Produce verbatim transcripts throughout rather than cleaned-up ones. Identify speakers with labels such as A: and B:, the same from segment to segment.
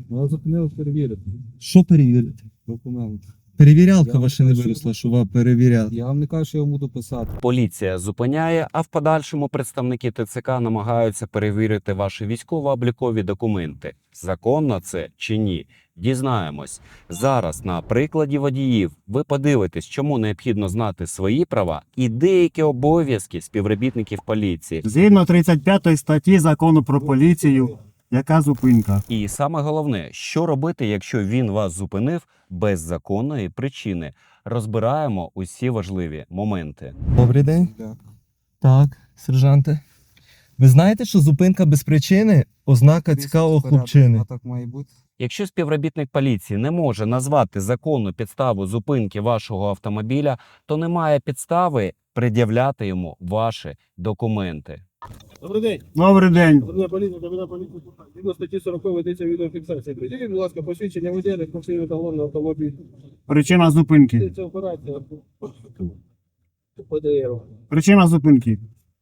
A: Ну, зупинили перевірити.
B: Що перевірити?
A: Документ.
B: Перевірялка
A: Я
B: ваша
A: вам
B: не
A: кажу,
B: виросла, що вам перевіряти.
A: Я вам не кажу, що я вам буду писати.
C: Поліція зупиняє, а в подальшому представники ТЦК намагаються перевірити ваші військово-облікові документи. Законно це чи ні? Дізнаємось. Зараз на прикладі водіїв ви подивитесь, чому необхідно знати свої права і деякі обов'язки співробітників поліції.
D: Згідно тридцять п'ятої статті Закону про поліцію, яка зупинка?
C: І саме головне, що робити, якщо він вас зупинив без законної причини. Розбираємо усі важливі моменти.
B: Добрий день.
A: Так.
B: Так, сержанте. Ви знаєте, що зупинка без причини – ознака цікавого
A: Порядок,
B: хлопчини.
A: а так має бути.
C: Якщо співробітник поліції не може назвати законну підставу зупинки вашого автомобіля, то немає підстави пред'являти йому ваші документи.
E: Добрий день.
D: Добрий день.
E: Патрульна поліція, капітан поліції. Згідно статті сорок ведеться відеофіксація. Приділіть, будь ласка, посвідчення водія, реєстраційний талон на автомобіль.
D: Причина зупинки.
E: Це операція по ПДРу.
D: Причина зупинки.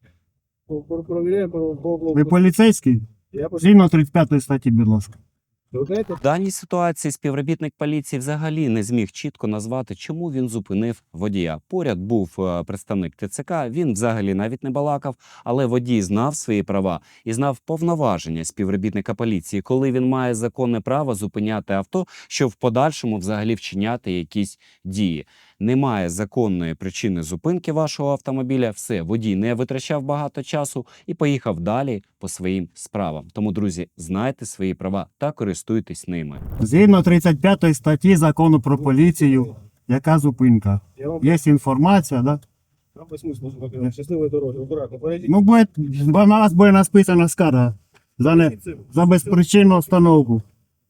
E: Провіряємо по по-
D: Ви поліцейський?
E: Я по-
D: Згідно тридцять п'ятої статті, будь ласка.
E: Ви знаєте?
C: В даній ситуації співробітник поліції взагалі не зміг чітко назвати, чому він зупинив водія. Поряд був е, представник ТЦК, він взагалі навіть не балакав, але водій знав свої права і знав повноваження співробітника поліції, коли він має законне право зупиняти авто, щоб в подальшому взагалі вчиняти якісь дії. Немає законної причини зупинки вашого автомобіля, все, водій не витрачав багато часу і поїхав далі по своїм справам. Тому, друзі, знайте свої права та користуйтесь ними.
D: Згідно тридцять п'ятої статті Закону про поліцію, яка зупинка?
E: Я вам
D: Є інформація, да?
E: вам по смислу скажу. Щасливої дороги, акуратно. Поїдіть.
D: Ну, буде, бо на вас буде написана скарга за, не, за безпричинну остановку.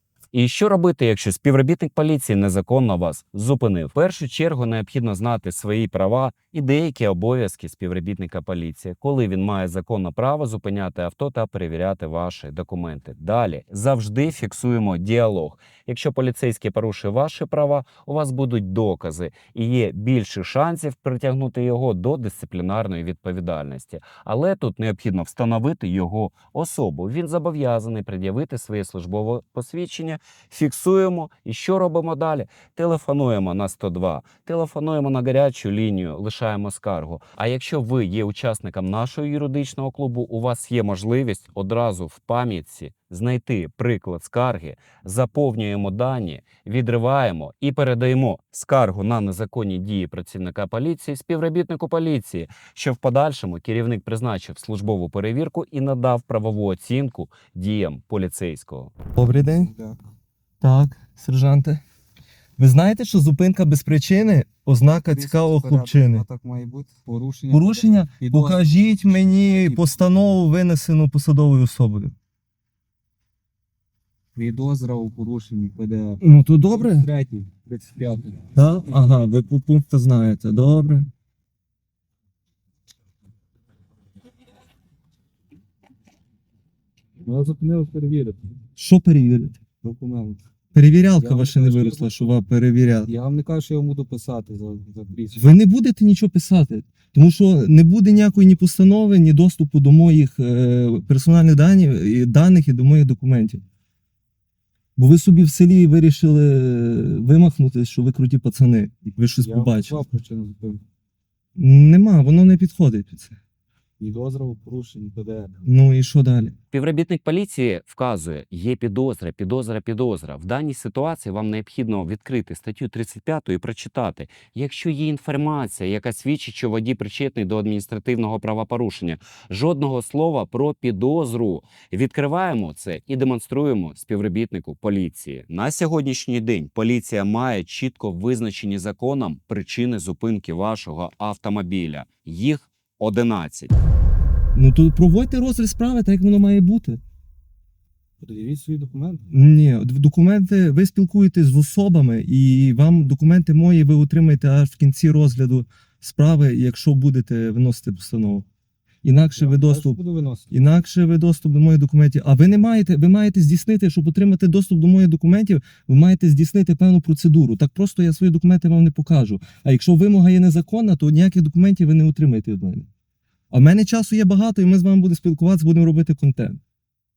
C: І що робити, якщо співробітник поліції незаконно вас зупинив? В першу чергу необхідно знати свої права і деякі обов'язки співробітника поліції, коли він має законне право зупиняти авто та перевіряти ваші документи. Далі завжди фіксуємо діалог. Якщо поліцейський порушує ваші права, у вас будуть докази і є більше шансів притягнути його до дисциплінарної відповідальності. Але тут необхідно встановити його особу. Він зобов'язаний пред'явити своє службове посвідчення. Фіксуємо і що робимо далі? Телефонуємо на сто два, телефонуємо на гарячу лінію, лишаємо скаргу. А якщо ви є учасником нашого юридичного клубу, у вас є можливість одразу в пам'ятці знайти приклад скарги, заповнюємо дані, відриваємо і передаємо скаргу на незаконні дії працівника поліції співробітнику поліції, що в подальшому керівник призначив службову перевірку і надав правову оцінку діям поліцейського.
B: Добрий день.
A: Так.
B: Так, сержанте. Ви знаєте, що зупинка без причини – ознака цікавого
A: Порядок,
B: хлопчини.
A: а так має бути. Порушення.
B: Порушення?
A: Підозра.
B: Покажіть мені постанову, винесену посадовою особою.
A: Підозра у порушенні ПДР.
B: Ну, то добре.
A: Третій, тридцять п'ятий.
B: Так? Ага, ви по пункту знаєте. Добре.
A: Ну, зупинили перевірити.
B: Що перевірити?
A: Документ.
B: Перевірялка
A: Я вам
B: ваша не
A: кажу,
B: виросла, що вам перевіряти.
A: Я вам не кажу, що я вам буду писати за, за прізвище.
B: Ви не будете нічого писати, тому що не буде ніякої ні постанови, ні доступу до моїх е, персональних даних, і даних і до моїх документів. Бо ви собі в селі вирішили вимахнути, що ви круті пацани, ви щось
A: Я вам
B: побачили.
A: назвав причину зупинки.
B: Нема, воно не підходить під це.
A: Підозра у порушенні ПДР.
B: Ну і що далі?
C: Співробітник поліції вказує, є підозра, підозра, підозра. В даній ситуації вам необхідно відкрити статтю тридцять п'яту і прочитати. Якщо є інформація, яка свідчить, що водій причетний до адміністративного правопорушення, жодного слова про підозру. Відкриваємо це і демонструємо співробітнику поліції. На сьогоднішній день поліція має чітко визначені законом причини зупинки вашого автомобіля. Їх одинадцять.
B: Ну то проводьте розгляд справи, так як воно має бути.
A: Пред'явіть свої документи.
B: Ні, д- документи, ви спілкуєтесь з особами, і вам документи мої ви отримаєте аж в кінці розгляду справи, якщо будете виносити постанову. Інакше
A: Я
B: ви
A: вам кажу,
B: доступ,
A: буду виносити.
B: інакше ви доступ до моїх документів. А ви не маєте, ви маєте здійснити, щоб отримати доступ до моїх документів, ви маєте здійснити певну процедуру. Так просто я свої документи вам не покажу. А якщо вимога є незаконна, то ніяких документів ви не отримаєте від мене. А в мене часу є багато, і ми з вами будемо спілкуватися, будемо робити контент.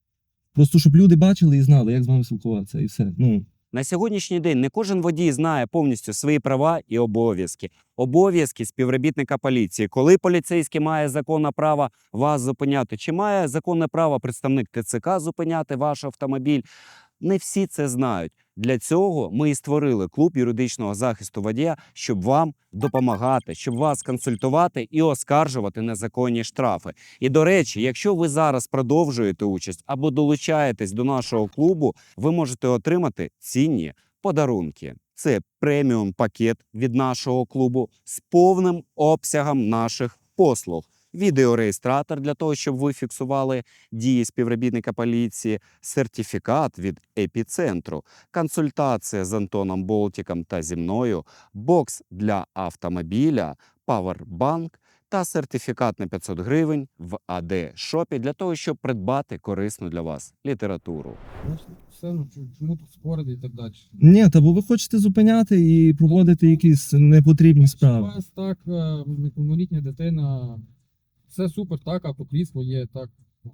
B: Просто щоб люди бачили і знали, як з вами спілкуватися, і все. Ну,
C: На сьогоднішній день не кожен водій знає повністю свої права і обов'язки. Обов'язки співробітника поліції. Коли поліцейський має законне право вас зупиняти, чи має законне право представник ТЦК зупиняти ваш автомобіль, не всі це знають. Для цього ми і створили клуб юридичного захисту водія, щоб вам допомагати, щоб вас консультувати і оскаржувати незаконні штрафи. І, до речі, якщо ви зараз продовжуєте участь або долучаєтесь до нашого клубу, ви можете отримати цінні подарунки. Це преміум-пакет від нашого клубу з повним обсягом наших послуг. Відеореєстратор для того, щоб ви фіксували дії співробітника поліції, сертифікат від епіцентру, консультація з Антоном Болтіком та зі мною, бокс для автомобіля, павербанк та сертифікат на п'ятсот гривень в ей ді Шопі для того, щоб придбати корисну для вас літературу.
A: Все, ну чому- чому тут спорити і так далі?
B: ні, та бо ви хочете зупиняти і проводити якісь непотрібні
A: У
B: справи.
A: вас так, е, неповнолітня дитина, все супер, так, автокрісло є, так.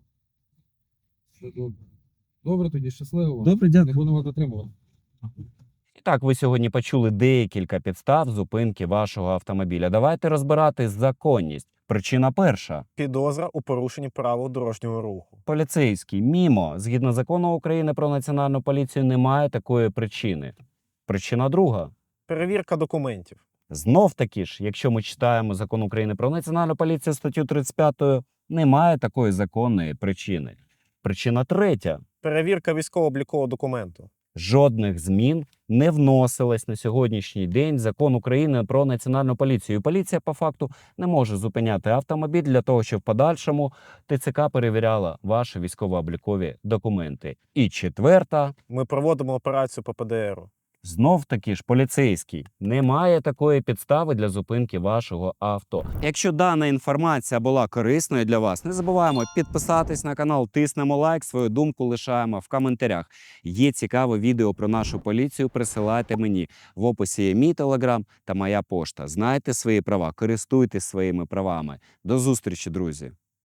A: Все добре. Добре, тоді щасливо.
B: Добре,
A: Не
B: дякую.
A: будемо вас затримувати.
C: І так, ви сьогодні почули декілька підстав зупинки вашого автомобіля. Давайте розбирати законність. Причина перша.
F: Підозра у порушенні правил дорожнього руху.
C: Поліцейський мімо, згідно закону України про національну поліцію, немає такої причини. Причина друга.
F: Перевірка документів.
C: Знов таки ж, якщо ми читаємо закон України про національну поліцію статтю тридцять п'ять, немає такої законної причини. Причина третя.
F: Перевірка військово-облікового документу.
C: Жодних змін не вносилось на сьогоднішній день в закон України про національну поліцію. І поліція по факту не може зупиняти автомобіль для того, щоб в подальшому ТЦК перевіряла ваші військово-облікові документи. І четверта.
F: Ми проводимо операцію по Пе Де Еру.
C: Знов таки ж поліцейський. Немає такої підстави для зупинки вашого авто. Якщо дана інформація була корисною для вас, не забуваємо підписатись на канал, тиснемо лайк, свою думку лишаємо в коментарях. Є цікаве відео про нашу поліцію, присилайте мені. В описі є мій телеграм та моя пошта. Знайте свої права, користуйтесь своїми правами. До зустрічі, друзі!